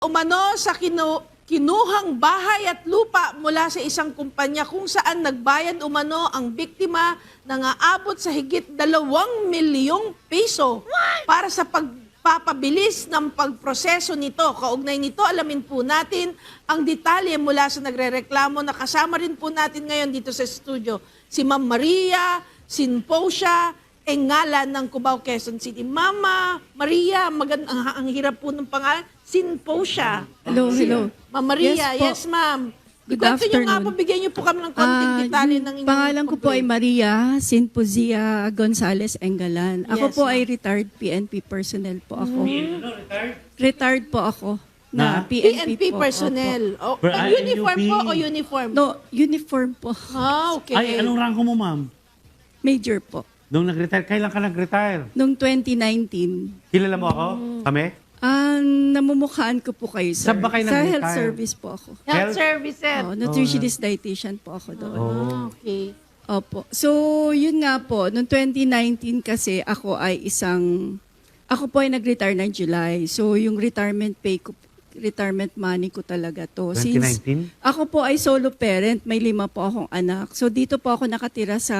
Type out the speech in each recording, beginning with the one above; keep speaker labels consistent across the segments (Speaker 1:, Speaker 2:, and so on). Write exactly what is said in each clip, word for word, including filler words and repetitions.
Speaker 1: Umano sa kinu kinuhang bahay at lupa mula sa isang kumpanya kung saan nagbayad umano ang biktima ng aabot sa higit dalawang milyong piso para sa pagpapabilis ng pagproseso nito. Kaugnay nito, alamin po natin ang detalye mula sa nagrereklamo na kasama rin po natin ngayon dito sa studio. Si Ma'am Maria Sinposia Engala ng Cubao, Quezon City. Mama Maria, magand ang, ang hirap po ng pangalan. Sinposia.
Speaker 2: Hello, hello.
Speaker 1: Ma'am Maria,
Speaker 2: Yes,
Speaker 1: yes,
Speaker 2: po.
Speaker 1: ma'am.
Speaker 2: Good
Speaker 1: Kwento nyo nga
Speaker 2: afternoon.
Speaker 1: po, bigyan nyo po kami ng konting
Speaker 2: Ah,
Speaker 1: detalye
Speaker 2: yung
Speaker 1: ng inyong
Speaker 2: pangalan ko po ay
Speaker 1: complaint.
Speaker 2: Maria Sinpozia Gonzales Engalan. Ako
Speaker 1: Yes,
Speaker 2: po
Speaker 1: ma'am.
Speaker 2: ay retired P N P personnel po ako.
Speaker 1: Mm.
Speaker 2: Retired po ako na,
Speaker 3: Na?
Speaker 2: P
Speaker 1: P
Speaker 2: N P,
Speaker 1: N P
Speaker 2: po.
Speaker 1: personnel. O,
Speaker 3: Per-
Speaker 1: ah,
Speaker 3: ah,
Speaker 1: uniform
Speaker 3: N U P.
Speaker 1: po o uniform?
Speaker 2: Opo. No, uniform po.
Speaker 1: Ah, okay.
Speaker 3: Ay, anong rango mo, ma'am?
Speaker 2: Major po.
Speaker 3: Nung nag-retire, kailan ka nag-retire?
Speaker 2: Noong twenty nineteen,
Speaker 3: Kilala mo ako? Kami?
Speaker 2: ah, namumukhaan ko po kayo, sir.
Speaker 3: Saan ba kayo
Speaker 2: Sa
Speaker 3: nag-retire?
Speaker 2: health service po ako.
Speaker 1: Health
Speaker 3: Health?
Speaker 1: services.
Speaker 2: Oh, nutritionist dietitian po ako doon.
Speaker 1: Ah, okay.
Speaker 2: Opo. So, yun nga po, noong twenty nineteen kasi ako ay isang, ako po ay nag-retire ng July. So, yung retirement pay ko, retirement money ko talaga to.
Speaker 3: twenty nineteen?
Speaker 2: Ako po ay solo parent, may lima po akong anak. So, dito po ako nakatira sa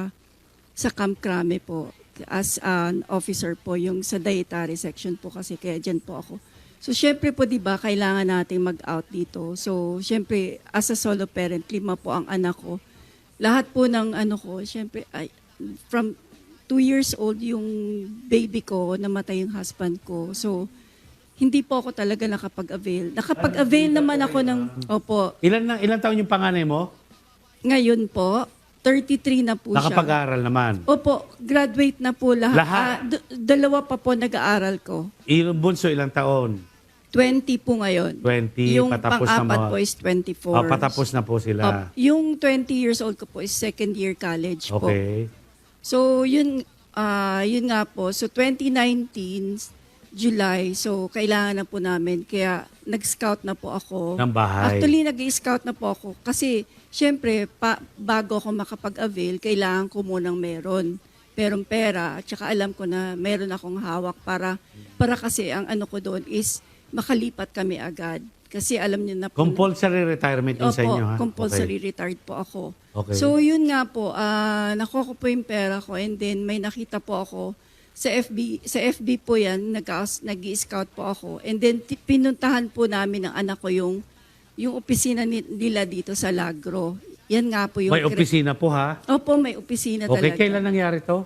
Speaker 2: sa Camp Crame po as an officer po, yung sa dietary section po kasi kaya dyan po ako. So, syempre po, di ba, kailangan nating mag-out dito. So, syempre, as a solo parent, lima po ang anak ko. Lahat po ng ano ko, syempre, ay, from two years old yung baby ko, namatay yung husband ko. So, hindi po ako talaga nakapag-avail. Nakapag-avail naman ako ng, opo,
Speaker 3: Ilan, na, ilan taon yung panganay mo?
Speaker 2: ngayon po, thirty-three na po siya.
Speaker 3: Nakapag-aaral naman.
Speaker 2: Opo, graduate na po lahat.
Speaker 3: Lahat?
Speaker 2: Ah, d- dalawa pa po nag-aaral ko.
Speaker 3: Yung bunso, ilang taon?
Speaker 2: twenty po ngayon.
Speaker 3: twenty,
Speaker 2: Yung
Speaker 3: patapos na
Speaker 2: pang-apat
Speaker 3: mga-
Speaker 2: po is twenty-four.
Speaker 3: Oh, patapos na po sila.
Speaker 2: Op, yung twenty years old ko po is second year college po.
Speaker 3: Okay.
Speaker 2: So, yun, ah yun nga po. So, twenty nineteen, July, so kailangan na po namin. Kaya nag-scout na po ako.
Speaker 3: Ng bahay.
Speaker 2: Actually, nag-scout na po ako. Kasi, syempre, pa, bago ako makapag-avail, kailangan ko munang meron. Perong pera. At saka alam ko na meron akong hawak para, para kasi ang ano ko doon is makalipat kami agad. Kasi alam niyo na po.
Speaker 3: Compulsory retirement yung sa
Speaker 2: Opo,
Speaker 3: inyo, ha?
Speaker 2: compulsory retired po ako.
Speaker 3: Okay.
Speaker 2: So, yun nga po, ah nakuha ko po yung pera ko and then may nakita po ako sa F B, sa F B po yan, nag-i-scout po ako. And then ti- pinuntahan po namin ng anak ko yung, yung opisina ni- nila dito sa Lagro. Yan nga po yung...
Speaker 3: May opisina po, ha?
Speaker 2: Opo, may opisina
Speaker 3: Okay,
Speaker 2: talaga.
Speaker 3: kailan nangyari to?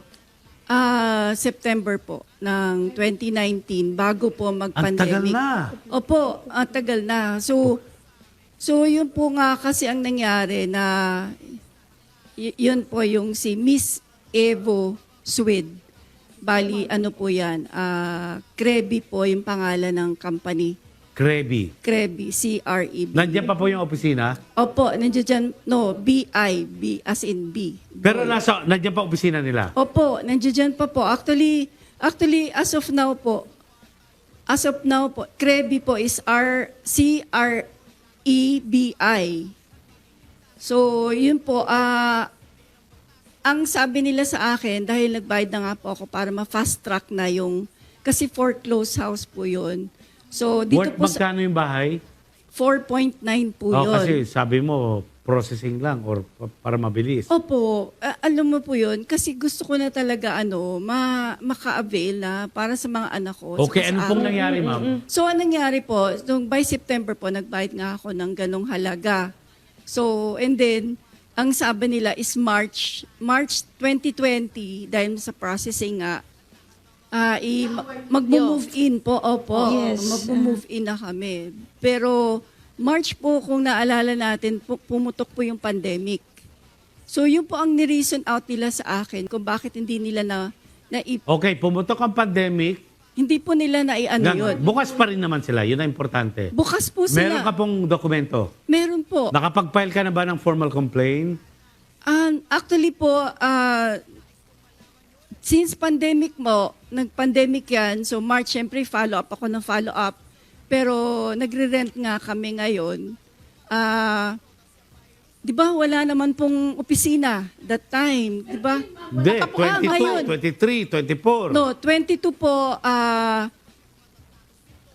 Speaker 2: Ah, September po ng twenty nineteen, bago po
Speaker 3: Ang
Speaker 2: mag-pandemic.
Speaker 3: tagal na.
Speaker 2: Opo, ang tagal na. So, so yun po nga kasi ang nangyari na y- yun po yung si Miss Evo Swed. Bali, ano po yan, ah Krebi po yung pangalan ng company.
Speaker 3: Krebi.
Speaker 2: Krebi, C R E B.
Speaker 3: Nandiyan pa po yung opisina?
Speaker 2: Opo, nandiyan dyan, no, B I, B as in B.
Speaker 3: Pero nasa, nandiyan pa opisina nila?
Speaker 2: Opo, nandiyan dyan pa po. Actually, actually, as of now po, as of now po, Krebi po is R, C R E B I. So, yun po, ah, ang sabi nila sa akin, dahil nagbayad na nga po ako para ma-fast track na yung, kasi foreclosed house po yun. So, dito
Speaker 3: Worth
Speaker 2: po sa
Speaker 3: magkano yung bahay?
Speaker 2: four point nine po
Speaker 3: Oh,
Speaker 2: yun.
Speaker 3: kasi sabi mo, processing lang or pa- para mabilis.
Speaker 2: Opo, a- alam mo po yun, kasi gusto ko na talaga ano, ma maka-avail na para sa mga anak ko.
Speaker 3: Okay,
Speaker 2: saka
Speaker 3: ano
Speaker 2: sa
Speaker 3: pong
Speaker 2: akin.
Speaker 3: nangyari, ma'am?
Speaker 2: So, anong nangyari po, nung by September po, nagbayad nga ako ng ganong halaga. So, and then, ang sabi nila is March, March twenty twenty, dahil sa processing nga, ah i mag-move in po, opo,
Speaker 1: Yes.
Speaker 2: mag-move in na kami. Pero, March po, kung naalala natin, pu- pumutok po yung pandemic. So, yun po ang ni-reason out nila sa akin kung bakit hindi nila na, na
Speaker 3: Okay, pumutok ang pandemic.
Speaker 2: hindi po nila na i-ano
Speaker 3: Gan-
Speaker 2: yun.
Speaker 3: Bukas pa rin naman sila. Yun ang importante.
Speaker 2: Bukas po
Speaker 3: Meron
Speaker 2: sila.
Speaker 3: ka pong dokumento.
Speaker 2: Meron po.
Speaker 3: Nakapag-file ka na ba ng formal complaint?
Speaker 2: Um, actually po, ah, since pandemic mo, nag-pandemic yan, so March, syempre follow-up ako ng follow-up. Pero nagre-rent nga kami ngayon. Ah, di ba wala naman pong opisina that time, di ba?
Speaker 3: Hindi,
Speaker 2: Ah, ngayon.
Speaker 3: twenty-two, twenty-three, twenty-four.
Speaker 2: No, twenty-two po, ah,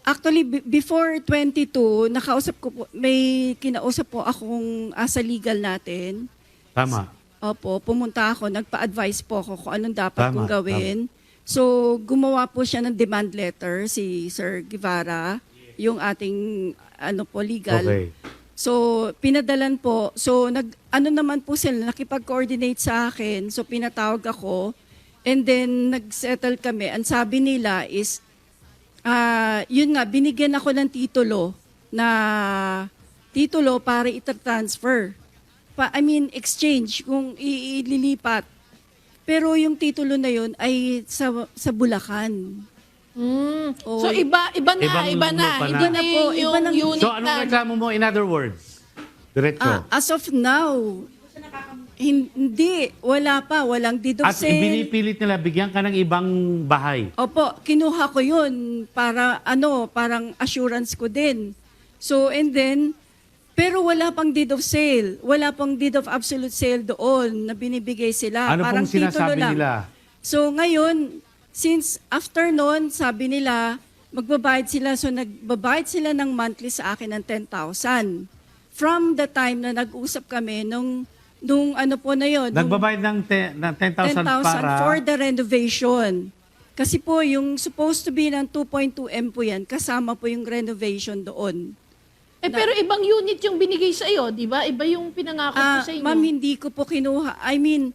Speaker 2: Actually, be- before twenty-two, nakausap ko po, may kinausap po akong uh, sa legal natin.
Speaker 3: Tama.
Speaker 2: Opo, pumunta ako, nagpa-advise po ako kung anong dapat
Speaker 3: Tama,
Speaker 2: kong gawin. So, gumawa po siya ng demand letter, si Sir Guevara, yung ating ano po, legal.
Speaker 3: Okay.
Speaker 2: So, pinadalan po. So, nag, ano naman po sila, nakipag-coordinate sa akin. So, pinatawag ako. And then, nag-settle kami. Ang sabi nila is, ah yun nga, binigyan ako ng titulo na titulo para ita-transfer. Pa, I mean, exchange, kung i- ililipat. Pero yung titulo na yun ay sa, sa Bulacan.
Speaker 1: Mm.
Speaker 2: Oo.
Speaker 1: So iba iba na,
Speaker 3: Ibang
Speaker 1: iba na.
Speaker 3: lupa na.
Speaker 1: Iba na
Speaker 2: Iba na po,
Speaker 1: yung,
Speaker 2: iba na-
Speaker 1: yung unit
Speaker 3: So, anong
Speaker 1: na.
Speaker 3: reklamo mo in other words? Diretso.
Speaker 2: Ah, as of now, hindi, wala pa, walang deed of
Speaker 3: At
Speaker 2: sale.
Speaker 3: ibinipilit nila, bigyan ka ng ibang bahay.
Speaker 2: Opo, kinuha ko yun para ano, parang assurance ko din. So, and then, pero wala pang deed of sale. Wala pang deed of absolute sale doon na binibigay sila.
Speaker 3: Ano
Speaker 2: parang
Speaker 3: pong sinasabi
Speaker 2: titulo lang.
Speaker 3: nila?
Speaker 2: So, ngayon, since after noon, sabi nila, magbabayad sila. So, nagbabayad sila ng monthly sa akin ng ten thousand. From the time na nag-usap kami, nung, nung ano po na yun, nung-
Speaker 3: Nagbabayad ng, te- ng ten thousand
Speaker 2: ten thousand
Speaker 3: para...
Speaker 2: for the renovation. Kasi po, yung supposed to be ng two point two M po yan, kasama po yung renovation doon.
Speaker 1: Eh pero ibang unit yung binigay sa iyo, 'di ba? Iba yung pinangako ko
Speaker 2: Ah,
Speaker 1: sa inyo.
Speaker 2: ma'am, hindi ko po kinuha. I mean,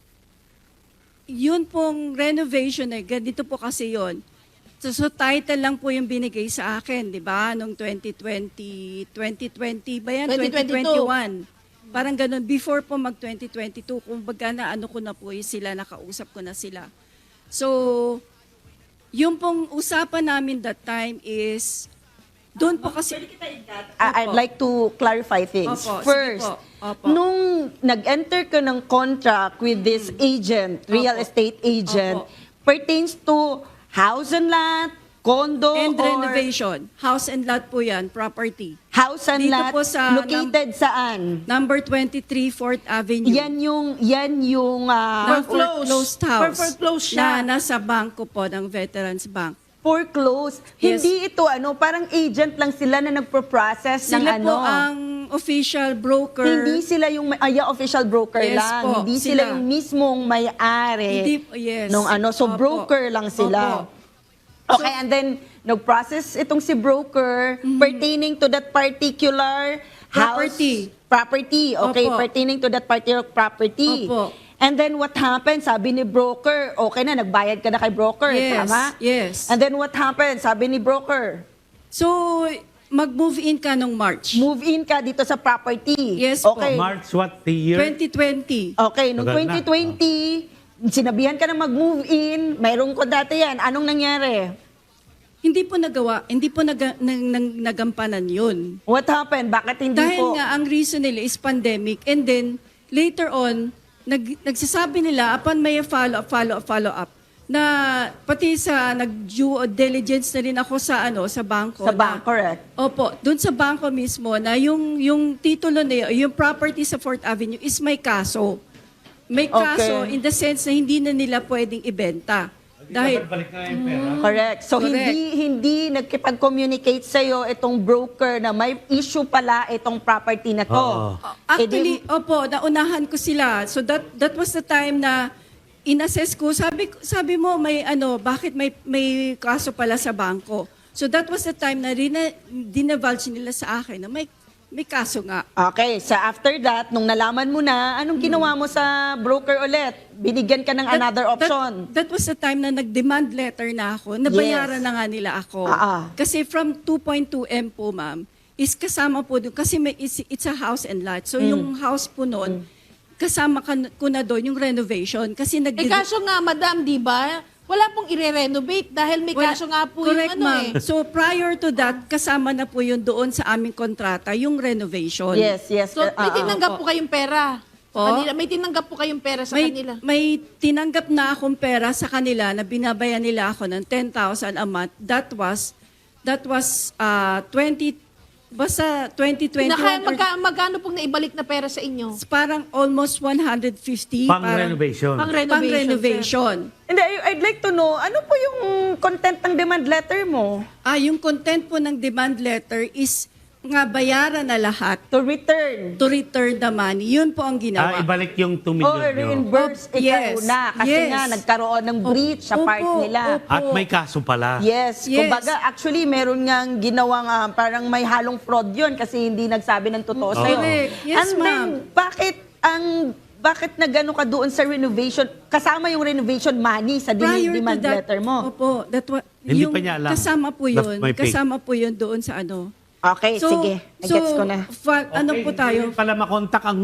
Speaker 2: yun pong renovation eh, ganito po kasi yun. So, so title lang po yung binigay sa akin, di ba? Noong twenty twenty, twenty twenty ba yan?
Speaker 1: twenty
Speaker 2: twenty
Speaker 1: twenty-two.
Speaker 2: twenty-one. Parang ganun. Before po mag twenty twenty-two, kung baga na ano ko na po yung sila, nakausap ko na sila. So, yung pong usapan namin that time is, doon po kasi...
Speaker 4: I- I'd
Speaker 2: Opo.
Speaker 4: like to clarify things.
Speaker 2: Opo, sige
Speaker 4: First,
Speaker 2: po. Opo.
Speaker 4: nung nag-enter ka ng contract with this agent, real
Speaker 2: Opo.
Speaker 4: estate agent,
Speaker 2: Opo.
Speaker 4: pertains to house and lot, condo,
Speaker 2: And
Speaker 4: or
Speaker 2: renovation. House and lot po yan, property.
Speaker 4: house and
Speaker 2: Dito
Speaker 4: lot,
Speaker 2: po sa
Speaker 4: located saan?
Speaker 2: Number twenty-three, fourth Avenue.
Speaker 4: Yan yung, yan yung, ah,
Speaker 2: na
Speaker 1: Foreclosed.
Speaker 2: foreclosed house.
Speaker 1: Foreclosed siya.
Speaker 2: Na nasa bangko po ng Veterans Bank.
Speaker 4: foreclosed.
Speaker 2: Yes.
Speaker 4: Hindi ito, ano, parang agent lang sila na nagpo-process ng
Speaker 2: Sila
Speaker 4: ano.
Speaker 2: po ang official broker.
Speaker 4: Hindi sila yung may- ay, official broker
Speaker 2: Yes
Speaker 4: lang.
Speaker 2: po,
Speaker 4: Hindi sila,
Speaker 2: sila.
Speaker 4: yung mismong may-ari.
Speaker 2: Hindi, yes.
Speaker 4: Nung ano, so
Speaker 2: Opo.
Speaker 4: broker lang sila.
Speaker 2: Opo.
Speaker 4: Okay, and then nag-process itong si broker pertaining to that particular
Speaker 2: Property.
Speaker 4: house. Property. Okay,
Speaker 2: Opo.
Speaker 4: pertaining to that particular property.
Speaker 2: Opo.
Speaker 4: And then what happened? Sabi ni broker, okay na, nagbayad ka na kay broker.
Speaker 2: Yes,
Speaker 4: Tama?
Speaker 2: yes.
Speaker 4: And then what happened? Sabi ni broker,
Speaker 2: So, mag-move in ka nung March.
Speaker 4: move in ka dito sa property.
Speaker 2: Yes po.
Speaker 4: okay.
Speaker 3: March what the year?
Speaker 2: twenty twenty.
Speaker 4: Okay, noong
Speaker 3: Tagal na.
Speaker 4: twenty twenty, sinabihan ka na mag-move in, mayroong ko dati yan. Anong nangyari?
Speaker 2: Hindi po nagawa, hindi po naga, nag, nag, nagampanan yun.
Speaker 4: What happened? Bakit hindi
Speaker 2: Dahil
Speaker 4: po?
Speaker 2: nga, ang reason nila is pandemic. And then, later on, nag, nagsasabi nila, upon may follow-up, follow-up, follow-up, na pati sa nag-due diligence na rin ako sa ano sa bangko.
Speaker 4: Sa
Speaker 2: na-
Speaker 4: bank, correct.
Speaker 2: Opo, doon sa bangko mismo na yung yung titulo na yun, yung property sa Fourth Avenue is may kaso. May kaso
Speaker 4: Okay.
Speaker 2: in the sense na hindi na nila pwedeng ibenta. Dahil
Speaker 3: Balik na yung pera.
Speaker 4: Correct. So
Speaker 2: Correct.
Speaker 4: hindi hindi nagkipag-communicate sa iyo itong broker na may issue pala itong property na to.
Speaker 3: Oo.
Speaker 2: actually,
Speaker 4: Eh, di-
Speaker 2: opo, naunahan ko sila. So that that was the time na inassess ko. Sabi ko- sabi mo may ano, bakit may may kaso pala sa bangko? So that was the time na rina, dinavulge nila sa akin na may may kaso nga.
Speaker 4: Okay, so after that, nung nalaman mo na, anong ginawa mo sa broker ulit? Binigyan ka ng
Speaker 2: That-
Speaker 4: another
Speaker 2: that-
Speaker 4: option.
Speaker 2: That, was the time na nag-demand letter na ako. Nabayaran
Speaker 4: Yes.
Speaker 2: na nga nila ako.
Speaker 4: Ah, ah.
Speaker 2: Kasi from two point two M po, ma'am, is kasama po doon. Kasi may, it's, it's a house and lot. So
Speaker 4: Mm.
Speaker 2: yung house po noon, kasama ka, ko na doon yung renovation. Kasi nag
Speaker 1: Eh kaso nga, madam, di ba? Wala pong ire-renovate dahil may
Speaker 2: Wala-
Speaker 1: kaso nga po
Speaker 2: Correct,
Speaker 1: yung ano
Speaker 2: ma'am.
Speaker 1: eh.
Speaker 2: So prior to that, kasama na po yun doon sa aming kontrata, yung renovation.
Speaker 4: Yes, yes.
Speaker 1: So
Speaker 4: uh,
Speaker 1: may
Speaker 4: uh,
Speaker 1: tinanggap
Speaker 2: opo.
Speaker 1: po kayong pera. Sa
Speaker 2: Po?
Speaker 1: kanila. May tinanggap po kayong pera sa
Speaker 2: may,
Speaker 1: kanila.
Speaker 2: may tinanggap na akong pera sa kanila na binabayan nila ako ng ten thousand a month. That was that was uh, twenty Basta twenty twenty-one,
Speaker 1: Naka, magka, magkano pong naibalik na pera sa inyo?
Speaker 2: parang almost one hundred fifty.
Speaker 3: Pang
Speaker 2: parang-
Speaker 3: renovation.
Speaker 1: Pang
Speaker 2: Pang
Speaker 1: renovation.
Speaker 2: renovation.
Speaker 4: Hindi, I- I'd like to know, ano po yung content ng demand letter mo?
Speaker 2: Ah, yung content po ng demand letter is nga bayaran na lahat
Speaker 4: To return.
Speaker 2: to return the money. Yun po ang
Speaker 3: Ah,
Speaker 2: ginawa.
Speaker 3: ibalik yung two
Speaker 4: O
Speaker 3: million nyo.
Speaker 4: reimburse
Speaker 2: Oh,
Speaker 4: ikaw
Speaker 2: yes.
Speaker 4: na. Kasi
Speaker 2: Yes.
Speaker 4: nga, nagkaroon ng breach sa
Speaker 2: Opo,
Speaker 4: part nila.
Speaker 2: opo.
Speaker 3: At may kaso pala.
Speaker 4: Yes.
Speaker 2: Yes.
Speaker 4: Kumbaga, actually, meron ngang ginawang ah, parang may halong fraud yun kasi hindi nagsabi ng totoo
Speaker 3: Oo.
Speaker 4: sa'yo.
Speaker 2: Correct. Yes,
Speaker 4: And then,
Speaker 2: ma'am.
Speaker 4: bakit ang bakit nagano ka doon sa renovation, kasama yung renovation money sa din-
Speaker 2: Prior to
Speaker 4: demand
Speaker 2: that,
Speaker 4: letter mo?
Speaker 2: Opo, that wa,
Speaker 3: Hindi
Speaker 2: yung
Speaker 3: pa niya alam.
Speaker 2: kasama po
Speaker 3: Left
Speaker 2: yun.
Speaker 3: my pay.
Speaker 2: Kasama po yun doon sa ano.
Speaker 4: Okay, sige. Gets ko na.
Speaker 2: fa- ano po tayo?
Speaker 3: Hindi pala makontak ang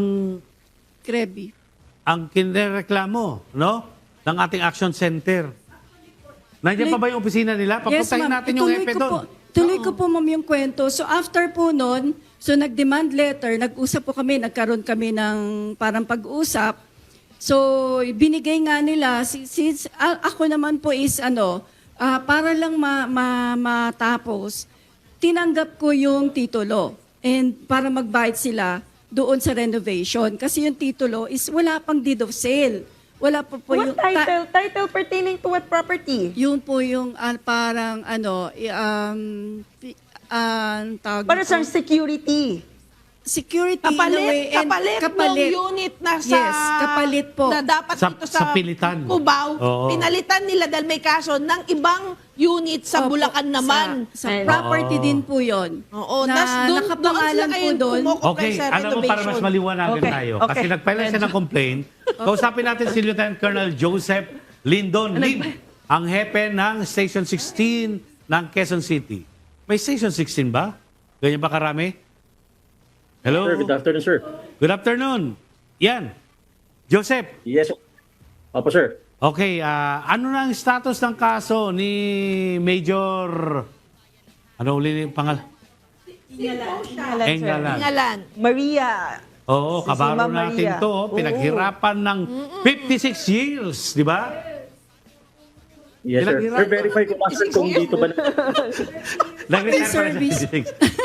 Speaker 2: Krebi.
Speaker 3: ang kinereklamo, no? Ng ating action center. Nandiyan pa ba yung opisina nila? Papuntahin natin yung
Speaker 2: Ituloy
Speaker 3: epe
Speaker 2: ko
Speaker 3: doon.
Speaker 2: po, tuloy ko po, ma'am, yung kwento. So, after po nun, so nag-demand letter, nag-usap po kami, nagkaroon kami ng parang pag-usap. So, binigay nga nila, si- since a- ako naman po is ano, ah, para lang ma, ma, matapos, tinanggap ko yung titulo. And para magbayad sila doon sa renovation. Kasi yung titulo is wala pang deed of sale. Wala pa po yung...
Speaker 4: What title? Title pertaining to what property?
Speaker 2: Yun po yung ah, parang ano, i- um, pi- ah, ang tawag
Speaker 4: Para
Speaker 2: nito?
Speaker 4: sa security.
Speaker 2: Security in a
Speaker 1: Kapalit,
Speaker 2: way. and
Speaker 1: kapalit, ng unit na sa...
Speaker 2: Yes, kapalit po.
Speaker 1: Na dapat
Speaker 3: Sa-
Speaker 1: dito
Speaker 3: sa
Speaker 1: sa,
Speaker 3: pilitan.
Speaker 1: Cubao.
Speaker 3: Oo.
Speaker 1: Pinalitan nila dahil may kaso ng ibang unit sa
Speaker 2: Opo,
Speaker 1: Bulacan naman.
Speaker 2: Sa, sa
Speaker 4: And-
Speaker 2: property
Speaker 3: Oo.
Speaker 2: din po yun.
Speaker 1: Oo,
Speaker 2: na
Speaker 1: tas doon,
Speaker 2: nakapangalan
Speaker 1: doon
Speaker 2: po
Speaker 1: sila
Speaker 2: doon.
Speaker 1: kumukupay
Speaker 3: Okay,
Speaker 1: sa
Speaker 3: alam mo para mas
Speaker 1: renovation.
Speaker 3: maliwanagan
Speaker 4: Okay,
Speaker 3: tayo.
Speaker 4: okay.
Speaker 3: Kasi nagpala siya ng complaint. Kausapin natin si Lieutenant Colonel Joseph Lindon Lim, ang hepe ng Station sixteen ng Quezon City. May Station sixteen ba? Ganyan ba karami? Hello?
Speaker 5: Sir, good afternoon, sir.
Speaker 3: Good afternoon. Yan. Joseph,
Speaker 5: Yes, sir. Opo, sir.
Speaker 3: okay, ah, ano na ang status ng kaso ni Major... Ano uli yung pangal?
Speaker 4: Ngalan, sir.
Speaker 3: Engalan.
Speaker 1: Ngalan.
Speaker 4: Maria.
Speaker 3: Oo,
Speaker 4: Si
Speaker 3: kabaro
Speaker 4: Ma'am
Speaker 3: natin
Speaker 4: Maria.
Speaker 3: to. oh. Pinaghirapan ng fifty-six years, di ba?
Speaker 5: Yes, sir.
Speaker 3: Ilang
Speaker 5: Sir,
Speaker 3: hirap?
Speaker 5: verify ko lang, sir, kung dito ba na...
Speaker 3: Nag-retire pa sa
Speaker 2: service.
Speaker 3: fifty-six.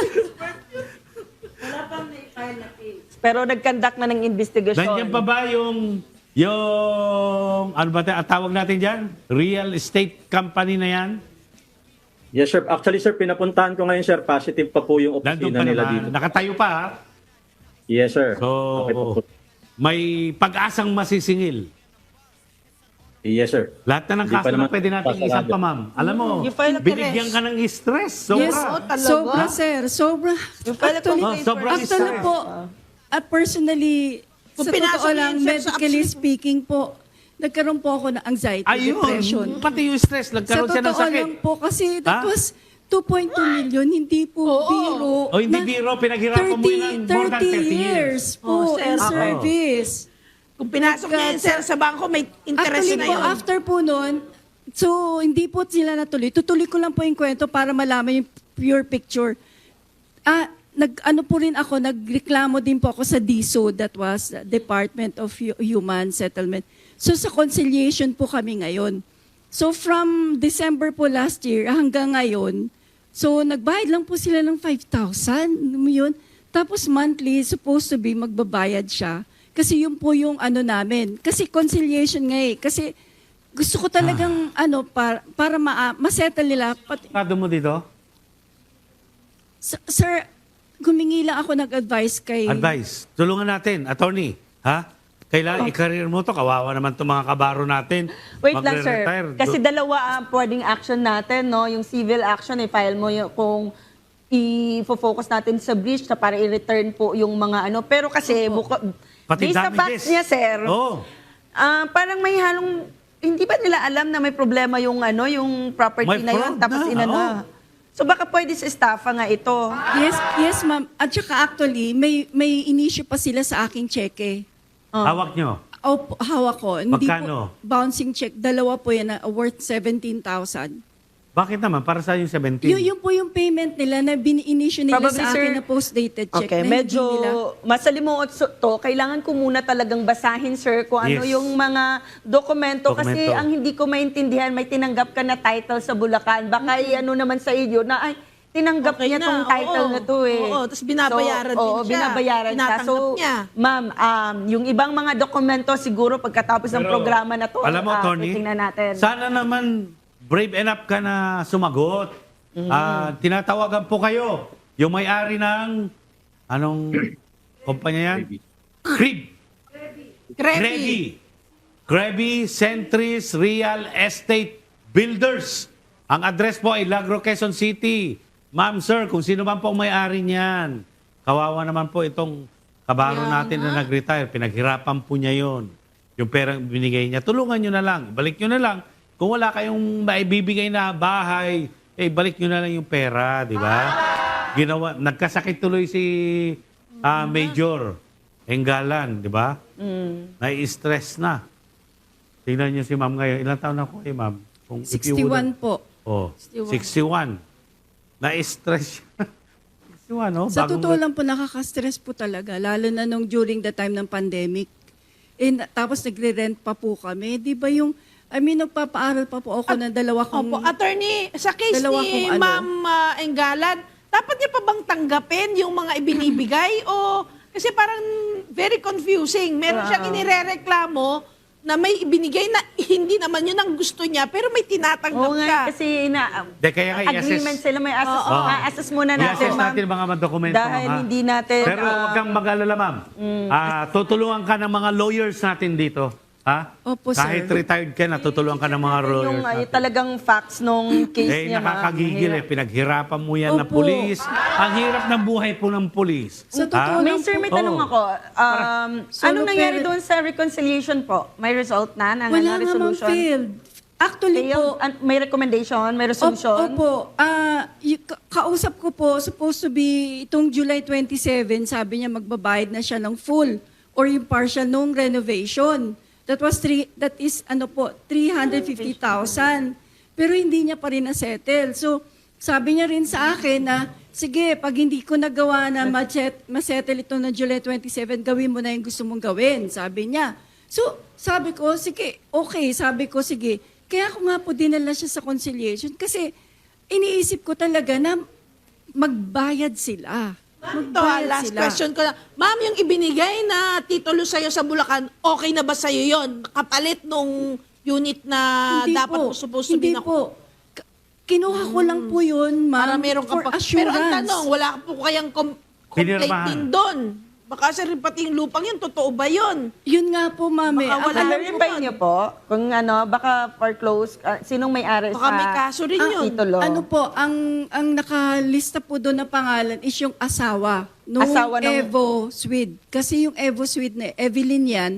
Speaker 4: Pero nag-conduct na ng investigation.
Speaker 3: Nandiyan pa ba yung, yung, ano ba tayo, tawag natin dyan? Real estate company na yan?
Speaker 5: Yes, sir. Actually, sir, pinapuntahan ko ngayon, sir. Positive pa po yung
Speaker 3: Nandun
Speaker 5: opisina
Speaker 3: pa
Speaker 5: nila
Speaker 3: naman.
Speaker 5: dito.
Speaker 3: Nakatayo pa, ha?
Speaker 5: Yes, sir.
Speaker 3: So,
Speaker 5: Okay po po.
Speaker 3: may pag-asang masisingil.
Speaker 5: Yes, sir.
Speaker 3: Lahat na ng
Speaker 5: Hindi
Speaker 3: kaso
Speaker 5: pa
Speaker 3: na
Speaker 5: naman
Speaker 3: pwede natin
Speaker 5: pasarado.
Speaker 3: isang pa, ma'am. Alam mo,
Speaker 1: You file a
Speaker 3: binigyan
Speaker 1: arrest.
Speaker 3: ka ng stress. Sobra.
Speaker 2: Yes,
Speaker 1: Oh, talaga?
Speaker 2: sobra, sir. Sobra.
Speaker 4: Yung pala
Speaker 2: Actually,
Speaker 3: Oh, sobrang
Speaker 2: actually
Speaker 3: stress.
Speaker 2: po, at personally,
Speaker 1: Kung
Speaker 2: sa
Speaker 1: pinasok
Speaker 2: totoo
Speaker 1: niya
Speaker 2: lang,
Speaker 1: yun, sir, sa
Speaker 2: medically
Speaker 1: absolute-
Speaker 2: speaking po, nagkaroon po ako ng anxiety, depression.
Speaker 3: Ayun, pati yung stress,
Speaker 2: Sa
Speaker 3: nagkaroon siya ng
Speaker 2: totoo
Speaker 3: sakit.
Speaker 2: lang po, kasi that
Speaker 3: Ha?
Speaker 2: was two point two million, hindi po
Speaker 1: Oo.
Speaker 2: biro.
Speaker 3: O, hindi
Speaker 2: Na
Speaker 3: biro, pinaghirapan mo yun ng more than thirty years.
Speaker 2: po
Speaker 1: Oh, sir.
Speaker 2: in
Speaker 1: Oo.
Speaker 2: service.
Speaker 1: Kung pinasok niya yun, sir, sa bangko, may interest
Speaker 2: Actually
Speaker 1: na
Speaker 2: po,
Speaker 1: yun.
Speaker 2: after po nun, so hindi po sila natuloy. Tutuloy ko lang po yung kwento para malaman yung pure picture. Ah, nag ano po rin ako, nagreklamo din po ako sa D S O, that was the Department of Hu- Human Settlement. So sa conciliation po kami ngayon. So from December po last year hanggang ngayon, so nagbayad lang po sila ng five thousand, yun. Tapos monthly, supposed to be magbabayad siya. Kasi yun po yung ano namin. Kasi conciliation nga eh. Kasi gusto ko talagang ano, para, para ma- masettle nila. Pati,
Speaker 3: Kado mo dito?
Speaker 2: S- sir, gumingi lang ako nag-advise kay...
Speaker 3: Advice. Tulungan natin, attorney. Ha? Kailangan i-career mo to. Kawawa naman itong mga kabaro natin.
Speaker 4: Wait lang, sir.
Speaker 3: Magre-retire.
Speaker 4: Kasi dalawa ang pwedeng action natin, no? Yung civil action, i-file mo yung, kung i-focus natin sa breach na para i-return po yung mga ano. Pero kasi, buko,
Speaker 3: Pati
Speaker 4: based sa
Speaker 3: damages.
Speaker 4: facts niya, sir,
Speaker 3: Oo.
Speaker 4: ah, parang may halong, hindi ba nila alam na may problema yung ano, yung property
Speaker 3: May
Speaker 4: na yun,
Speaker 3: fraud
Speaker 4: tapos
Speaker 3: na,
Speaker 4: inano.
Speaker 3: oo.
Speaker 4: So baka pwede sa estafa nga ito.
Speaker 2: Yes, yes ma'am. At saka actually, may, may inisyu pa sila sa aking cheque.
Speaker 4: Oh.
Speaker 3: Hawak nyo.
Speaker 2: O, hawak ko. Hindi
Speaker 3: Magkano?
Speaker 2: po, bouncing check. Dalawa po yan na worth seventeen thousand.
Speaker 3: Bakit naman? Para sa yung seventeen?
Speaker 2: Yun, yun po yung payment nila na bini-issue nila
Speaker 4: Probably,
Speaker 2: sa akin
Speaker 4: sir.
Speaker 2: na post-dated check.
Speaker 4: Okay,
Speaker 2: na
Speaker 4: medyo
Speaker 2: hindi nila.
Speaker 4: masalimuot so- to. Kailangan ko muna talagang basahin, sir, kung ano
Speaker 3: Yes.
Speaker 4: yung mga dokumento. Kasi
Speaker 3: Dokumento.
Speaker 4: ang hindi ko maintindihan, may tinanggap ka na title sa Bulacan. Baka i-ano naman sa iyo na, ay, tinanggap
Speaker 1: Okay
Speaker 4: niya
Speaker 1: na,
Speaker 4: tong title
Speaker 1: oo.
Speaker 4: na to eh.
Speaker 1: Oo, tapos binabayaran
Speaker 4: so,
Speaker 1: din
Speaker 4: oo,
Speaker 1: siya.
Speaker 4: binabayaran siya.
Speaker 1: Tinatanggap
Speaker 4: So,
Speaker 1: niya.
Speaker 4: ma'am, um, yung ibang mga dokumento siguro pagkatapos ng
Speaker 3: Pero,
Speaker 4: programa na to,
Speaker 3: alam mo,
Speaker 4: ah,
Speaker 3: Tony,
Speaker 4: titingnan natin.
Speaker 3: sana naman brave enough ka na sumagot. Ah, tinatawagan po kayo. Yung may-ari ng, anong kumpanya yan? Crib.
Speaker 1: Krebi.
Speaker 3: Krebi. Krebi Centris Real Estate Builders. Ang address po ay Lagro, Quezon City. Ma'am, sir, kung sino man po ang may-ari niyan, kawawa naman po itong kabaro
Speaker 1: Kaya
Speaker 3: natin na nag-retire. Pinaghirapan po niya yon. Yung perang binigay niya. Tulungan nyo na lang. Balik nyo na lang. Kung wala kayong maibibigay na bahay, eh, balik nyo na lang yung pera, di ba? Ginawa, nagkasakit tuloy si ah, Major Enggalan, di ba?
Speaker 4: Mm.
Speaker 3: Nai-stress na. Tingnan niyo si ma'am ngayon. Ilang taon na po eh, ma'am? Kung if you
Speaker 2: sixty-one
Speaker 3: wouldn't-
Speaker 2: po.
Speaker 3: Oh,
Speaker 1: sixty-one.
Speaker 3: sixty-one. Na-stress siya. sixty-one, oh.
Speaker 2: Sa
Speaker 3: bagong-
Speaker 2: totoo lang po, nakaka-stress po talaga. Lalo na nung during the time ng pandemic. Eh, na- tapos nagre-rent pa po kami. Di ba yung, I mean, nagpapaaral pa po ako ng dalawa kong...
Speaker 1: Opo, attorney, sa case
Speaker 2: Dalawa
Speaker 1: ni
Speaker 2: kong ano.
Speaker 1: Ma'am uh, Enggalan, dapat niya pa bang tanggapin yung mga ibinibigay o kasi parang very confusing. Meron siyang inirereklamo na may ibinigay na hindi naman yun ang gusto niya pero may tinatanggap
Speaker 4: Oo
Speaker 1: ka.
Speaker 4: nga, kasi na,
Speaker 3: De, kaya nga i-assess-
Speaker 4: agreement sila, may assess,
Speaker 3: Oo.
Speaker 4: assess muna natin,
Speaker 3: I-assess
Speaker 4: ma'am.
Speaker 3: natin mga dokumento.
Speaker 4: Dahil
Speaker 3: ha?
Speaker 4: hindi natin...
Speaker 3: Pero
Speaker 4: ah,
Speaker 3: huwag kang mag-alala, ma'am. Ah, tutulungan ka ng mga lawyers natin dito. Ha?
Speaker 2: Opo, sir.
Speaker 3: Kahit retired ka na, tutulungan ka ng mga lawyers
Speaker 4: yung ah,
Speaker 3: natin.
Speaker 4: talagang facts nung case
Speaker 3: Eh,
Speaker 4: niya, ma'am.
Speaker 3: nakakagigil eh.
Speaker 4: Mahirap.
Speaker 3: Pinaghirapan mo yan na
Speaker 2: Opo.
Speaker 3: pulis. Ang hirap ng buhay po ng pulis.
Speaker 2: Sa
Speaker 3: Ha?
Speaker 2: totoo lang
Speaker 4: May sir, may
Speaker 3: Oo.
Speaker 4: tanong ako. Um,
Speaker 2: Solo
Speaker 4: anong nangyari
Speaker 2: parent-
Speaker 4: doon sa reconciliation po? May result na ng
Speaker 2: Wala
Speaker 4: ano,
Speaker 2: naman
Speaker 4: resolution?
Speaker 2: failed. Actually
Speaker 4: Failed?
Speaker 2: po,
Speaker 4: An- may recommendation? May resolution?
Speaker 2: Opo. Ah, y- ka- kausap ko po, supposed to be itong July twenty-seven, sabi niya magbabayad na siya ng full or yung partial nung renovation. That was three, that is ano po, three hundred fifty thousand. Pero hindi niya pa rin na-settle. So, sabi niya rin sa akin na, sige, pag hindi ko nagawa na ma-set- ma-settle ito na July twenty-seven, gawin mo na yung gusto mong gawin, sabi niya. So, sabi ko, sige, okay, sabi ko, sige. Kaya ako nga po dinala siya sa conciliation kasi iniisip ko talaga na magbayad sila.
Speaker 1: Ito, ah,
Speaker 2: Magbayad
Speaker 1: last
Speaker 2: sila.
Speaker 1: question ko na. Ma'am, yung ibinigay na titulo sa'yo sa Bulacan, okay na ba sa'yo yon? Kapalit nung unit na
Speaker 2: Hindi
Speaker 1: dapat
Speaker 2: po,
Speaker 1: po, supposed to
Speaker 2: hindi
Speaker 1: be na...
Speaker 2: po. K- Kinuha ko lang po yun, ma'am,
Speaker 1: Para meron ka
Speaker 2: for
Speaker 1: pa.
Speaker 2: assurance.
Speaker 1: Pero ang tanong, wala po kayang com- complaint
Speaker 3: Pinirmahan.
Speaker 1: din doon. Baka sa rin pati yung lupang yun, totoo ba yun?
Speaker 2: Yun nga po, ma'am. eh.
Speaker 1: Baka
Speaker 2: Ang
Speaker 1: wala
Speaker 2: alam
Speaker 1: rin
Speaker 2: ko-
Speaker 4: Clarify niyo po kung ano, baka foreclose, ah, sinong may-ari
Speaker 1: Baka
Speaker 4: sa
Speaker 1: may kaso rin yun.
Speaker 4: titulo.
Speaker 2: Ano po, ang ang nakalista po doon na pangalan is yung asawa. Nung
Speaker 4: Asawa ng-
Speaker 2: Evo Swede. Kasi yung Evo Swede na Evelyn yan,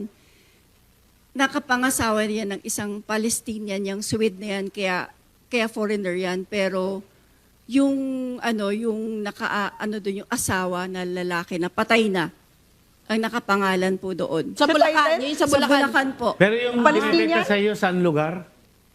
Speaker 2: nakapangasawa niya ng isang Palestinian, yung Swede na yan, kaya, kaya foreigner yan. Pero yung ano, yung naka, ano doon, yung asawa na lalaki na patay na, ang nakapangalan po doon.
Speaker 1: Sa
Speaker 4: Sa
Speaker 1: Bulacan,
Speaker 4: title?
Speaker 1: yun sa Bulacan.
Speaker 2: po.
Speaker 3: Pero yung
Speaker 4: Palestinian?
Speaker 3: binibenta sa iyo, saan lugar?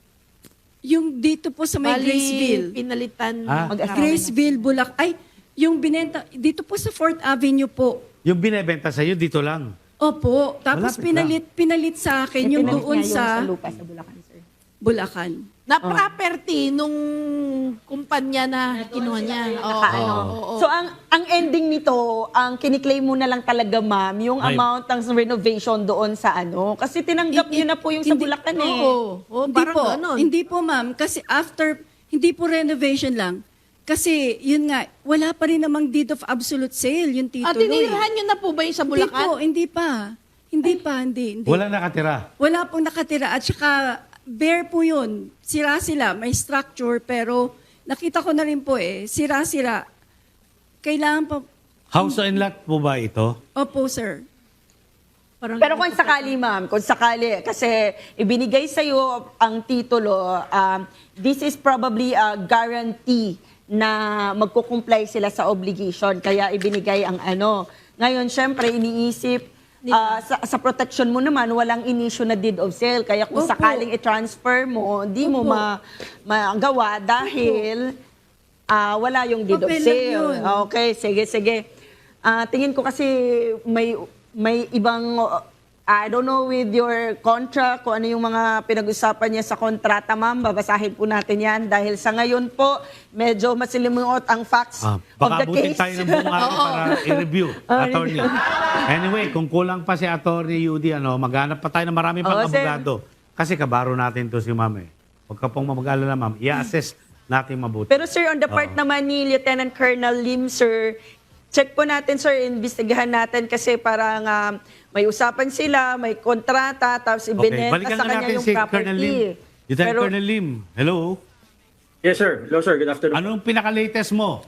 Speaker 2: Yung dito po sa may
Speaker 1: Bali,
Speaker 2: Graceville.
Speaker 1: pinalitan.
Speaker 3: Ah.
Speaker 1: mag-asawa na.
Speaker 2: Graceville, Bulac. Ay, yung binenta, dito po sa fourth Avenue po.
Speaker 3: Yung binibenta sa iyo, dito lang.
Speaker 2: Opo. Tapos
Speaker 3: Malapit
Speaker 2: pinalit, pinalit sa akin yung
Speaker 4: Pinalit
Speaker 2: doon
Speaker 4: niya yung
Speaker 2: sa
Speaker 4: lupa sa Bulacan, sir.
Speaker 2: Bulacan.
Speaker 1: Na property nung kumpanya na kinuha niya. Oo,
Speaker 4: Nakaano.
Speaker 1: oo, oo.
Speaker 4: So ang ang ending nito, ang kiniklaim mo na lang talaga, ma'am, yung
Speaker 3: Ay.
Speaker 4: amount ng renovation doon sa ano. Kasi tinanggap niyo na po yung sa
Speaker 2: Hindi-
Speaker 4: Bulacan eh.
Speaker 1: Oo, oo,
Speaker 2: Hindi
Speaker 1: parang
Speaker 2: po.
Speaker 1: ganun.
Speaker 2: Hindi po, ma'am. Kasi after, hindi po renovation lang. Kasi, yun nga, wala pa rin namang deed of absolute sale, yung
Speaker 1: At
Speaker 2: titulo. eh.
Speaker 1: tinirahan nyo na po ba yung sa
Speaker 2: Hindi po,
Speaker 1: Bulacan?
Speaker 2: hindi pa. Hindi pa, hindi. hindi.
Speaker 3: Wala nakatira.
Speaker 2: Wala pong nakatira. At saka, bare po yun. Sira sila, may structure, pero nakita ko na rin po eh, sira-sira. Kailangan pa,
Speaker 3: House and lot po ba ito?
Speaker 2: opo sir.
Speaker 1: Parang
Speaker 4: Pero kung sakali, ma'am, kung sakali, kasi ibinigay sa iyo ang titulo, um, this is probably a guarantee na magkukumply sila sa obligation. Kaya ibinigay ang ano. Ngayon, syempre, iniisip, ah, sa, sa protection mo naman, walang inisyu na deed of sale. Kaya kung
Speaker 2: Opo.
Speaker 4: sakaling i-transfer mo, di mo
Speaker 2: Opo.
Speaker 4: ma, magawa dahil ah, wala yung deed of
Speaker 2: Papel lang
Speaker 4: sale.
Speaker 2: yun.
Speaker 4: Okay, sige, sige. Ah, tingin ko kasi may may ibang uh, I don't know with your contract, kung ano yung mga pinag-usapan niya sa kontrata, ma'am. Babasahin po natin yan dahil sa ngayon po, medyo masilimuot ang facts
Speaker 3: Ah,
Speaker 4: of
Speaker 3: baka
Speaker 4: the
Speaker 3: abutin
Speaker 4: case.
Speaker 3: tayo ng buong araw para i-review, attorney. Anyway, kung kulang pa si attorney Yudy, ano, maghanap pa tayo ng marami pang
Speaker 4: Oo, sir.
Speaker 3: abogado. Kasi kabaro natin to si ma'am eh. Huwag ka pong mag-alala, ma'am. I-assess natin mabuti.
Speaker 4: Pero sir, on the part naman ni Lieutenant Colonel Lim, sir, check po natin, sir, investigahan natin kasi parang ah, may usapan sila, may kontrata, tapos
Speaker 3: Okay,
Speaker 4: ibinenta
Speaker 3: balikan
Speaker 4: sa
Speaker 3: na
Speaker 4: kanya
Speaker 3: natin
Speaker 4: yung
Speaker 3: si
Speaker 4: property.
Speaker 3: Colonel Lim. Lieutenant
Speaker 4: Pero,
Speaker 3: Colonel Lim, hello?
Speaker 5: Yes, sir. Hello, sir. Good afternoon.
Speaker 3: Anong pinaka-latest mo?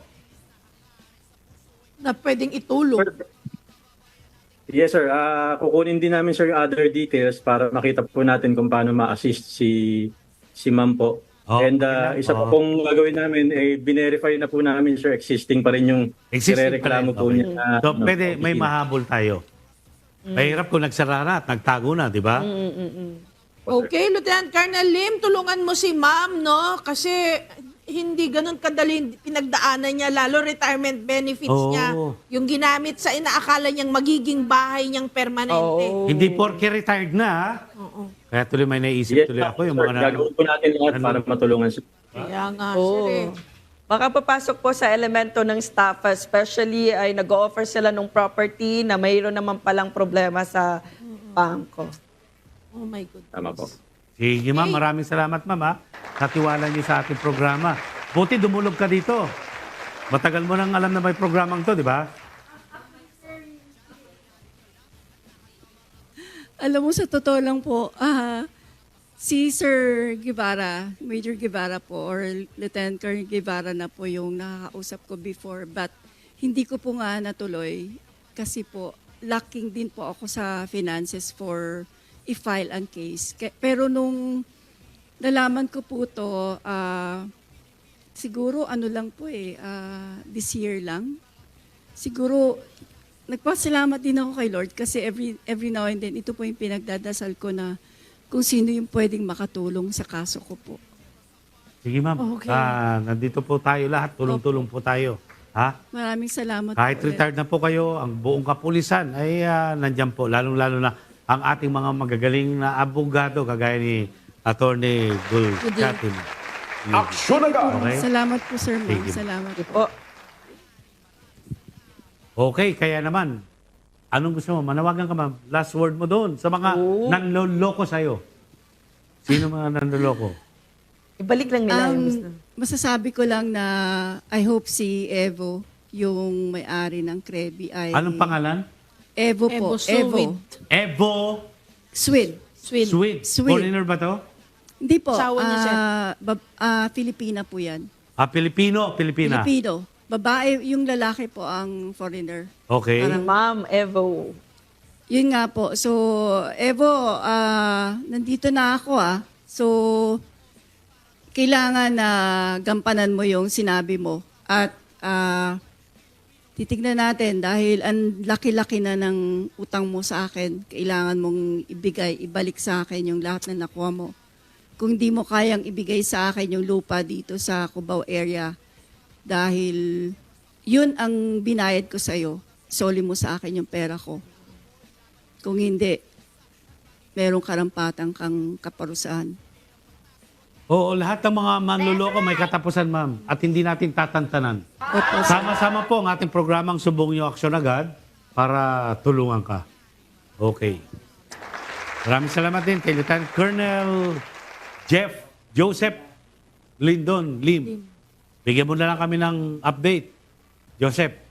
Speaker 1: Na pwedeng itulong.
Speaker 5: Yes, sir. Ah, kukunin din namin, sir, yung other details para makita po natin kung paano ma-assist si si ma'am po.
Speaker 3: Oh,
Speaker 5: And
Speaker 3: okay
Speaker 5: ah,
Speaker 3: lang.
Speaker 5: isa
Speaker 3: Oh.
Speaker 5: pa pong gagawin namin, eh, binerify na po namin, sir, existing pa rin yung
Speaker 3: Existing pa rin.
Speaker 5: irereklamo po
Speaker 3: Okay.
Speaker 5: niya. na,
Speaker 3: So,
Speaker 5: ano,
Speaker 3: pwede, may
Speaker 5: opisina.
Speaker 3: mahabol tayo. Mahirap kung nagsara na at nagtago na, di ba?
Speaker 1: Okay, Lieutenant Colonel Lim, tulungan mo si ma'am, no? Kasi hindi ganun kadali pinagdaanan niya, lalo retirement benefits
Speaker 3: Oo.
Speaker 1: niya. Yung ginamit sa inaakala niyang magiging bahay niyang permanente.
Speaker 4: Oo.
Speaker 3: Hindi porke retired na, ha?
Speaker 1: Oo.
Speaker 3: Kaya tuloy may naisip
Speaker 5: Yes,
Speaker 3: tuloy
Speaker 5: ma'am,
Speaker 3: ako yung
Speaker 5: sir.
Speaker 3: mga na...
Speaker 5: Gagawin po natin lahat
Speaker 3: Ano?
Speaker 5: para matulungan siya.
Speaker 1: Kaya nga,
Speaker 4: Oo.
Speaker 1: sir eh.
Speaker 4: Baka papasok po sa elemento ng staff, especially ay nag-offer sila ng property na mayroon naman palang problema sa bangko.
Speaker 1: Oh my goodness.
Speaker 5: Tama po.
Speaker 3: Sige ma'am, maraming salamat ma'am ha. Sa tiwala niyo sa ating programa. Buti dumulog ka dito. Matagal mo nang alam na may programang to, di ba?
Speaker 2: Alam mo, sa totoo lang po, ah, si Sir Guevara, Major Guevara po, or Lieutenant Colonel Guevara na po yung nakakausap ko before. But hindi ko po nga natuloy kasi po, lacking din po ako sa finances for i-file ang case. Ke- Pero nung nalaman ko po to, ah, siguro ano lang po eh, ah, this year lang. Siguro, nagpasalamat din ako kay Lord kasi every every now and then, ito po yung pinagdadasal ko na kung sino yung pwedeng makatulong sa kaso ko po.
Speaker 3: Sige ma'am.
Speaker 1: Okay.
Speaker 3: Ah, nandito po tayo lahat. Tulong-tulong po tayo. Ha?
Speaker 2: Maraming salamat
Speaker 3: Kahit
Speaker 2: po ulit.
Speaker 3: retired na po kayo, ang buong kapulisan ay ah, nandyan po. Lalong-lalo na ang ating mga magagaling na abogado kagaya ni Attorney Gulcatin.
Speaker 6: Aksyon agad!
Speaker 3: Okay?
Speaker 2: Salamat po, Sir Ma'am.
Speaker 3: Sige.
Speaker 2: Salamat po.
Speaker 4: Po.
Speaker 3: Okay, kaya naman, anong gusto mo? Manawagan ka ma'am. Last word mo doon sa mga
Speaker 4: Oo.
Speaker 3: nanloloko sa'yo. Sino mga nanloloko?
Speaker 4: Ibalik lang nila yung gusto.
Speaker 2: Um, masasabi ko lang na I hope si Evo, yung may-ari ng Krebi ay...
Speaker 3: Anong pangalan?
Speaker 2: Evo po.
Speaker 1: Evo Suwid.
Speaker 3: Evo
Speaker 2: Swid.
Speaker 1: Swin.
Speaker 3: Sweet.
Speaker 2: Sweet.
Speaker 3: Foreigner ba to?
Speaker 2: Hindi po.
Speaker 1: Asawa niya siya.
Speaker 2: ah, bab- ah, Filipina po yan.
Speaker 3: Ah, Pilipino, Pilipina.
Speaker 2: Filipino. Babae, yung lalaki po ang foreigner.
Speaker 3: Okay.
Speaker 2: Parang-
Speaker 4: Ma'am Evo.
Speaker 2: Yun nga po. So, Evo, ah, nandito na ako ah. So, kailangan na gampanan mo yung sinabi mo. At ah, titignan natin dahil ang laki-laki na ng utang mo sa akin, kailangan mong ibigay, ibalik sa akin yung lahat na nakuha mo. Kung di mo kayang ibigay sa akin yung lupa dito sa Cubao area, dahil yun ang binayad ko sa'yo, soli mo sa akin yung pera ko. Kung hindi, merong karampatang kang kaparusahan.
Speaker 3: Oo, lahat ng mga manloloko may katapusan, ma'am. At hindi natin tatantanan.
Speaker 2: Opo, sir.
Speaker 3: Sama-sama po ang ating programang Subong Niyo Aksyon Agad para tulungan ka. Okay. Maraming salamat din kay Lieutenant Colonel Jeff Joseph Lindon Lim. Bigyan mo na lang kami ng update. Joseph,